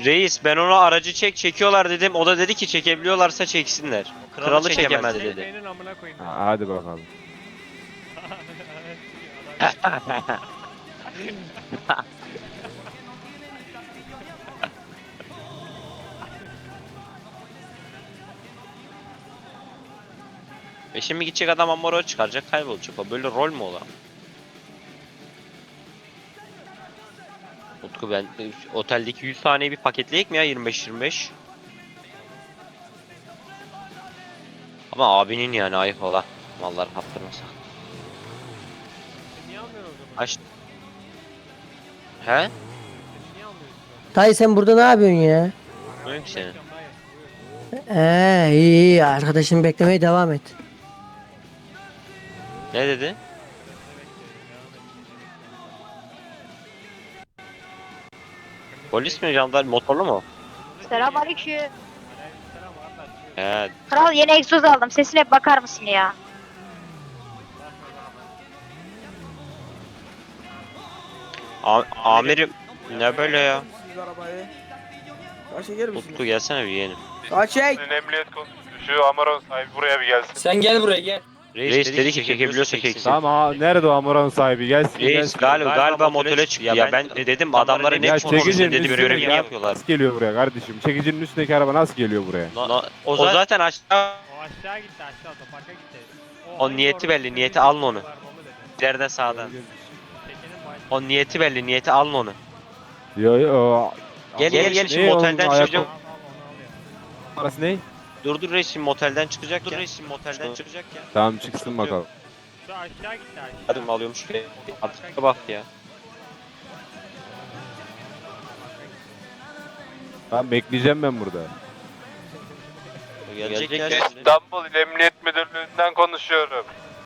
Reis ben ona aracı çekiyorlar dedim. O da dedi ki çekebiliyorlarsa çeksinler. Kralı çekemez dedi. Senin amına koyayım. Hadi bakalım. Ve şimdi gidecek adam Amaro çıkaracak, kaybolacak. O böyle rol mü olan? Utku ben oteldeki 100 taneyi bir paketleyek mi ya 25-25? Ama abinin yani ayıp ola. Mallar kaptırmasa. Niye almıyorsun o zaman? Aç. He? Niye almıyorsun? Dayı sen burada ne yapıyorsun ya? Yok senin. İyi iyi arkadaşını beklemeye devam et. Ne dedi? Polis mi jandarma motorlu mu? Selamünaleyküm. He. Kral yeni egzoz aldım. Sesine bakar mısın ya? Amirim ne böyle ya? Siz arabayı. Kaç çeker Utku misiniz? gelsene bir yeğenim. Kaç çek. Emniyet konusunda şu Amaron sahibi buraya bir gelsin. Sen gel buraya gel. Reis dedi ki çekebiliyorsa çeksin. Tamam ha, nerede o Amuran sahibi? Gelsin Reis gelsin. galiba motele çıktı ya. Ben dedim adamlara ne Ya konuşuyorsun çekicinin dedim üstündeki görevini araba yapıyorlar. nasıl geliyor buraya kardeşim? Çekicinin üstündeki araba nasıl geliyor buraya? O zaten aşağı. O aşağı gitti aşağı otoparka gitti. O niyeti belli, niyeti alın onu. İleriden sağdan. O niyeti belli, niyeti alın onu. Yo yo. Gel şimdi Ne motelden onun çıkacağım. Parası ne? Dur reis şimdi motelden çıkacak ya. Çıkacak ya. Tamam çıksın bakalım. Şu aşağı gitti aşağı. Hadi mi alıyormuş ki? Artık bak ya. Tamam bekleyeceğim ben burada. Gelecek ya. İstanbul Emniyet Müdürlüğü'nden konuşuyorum.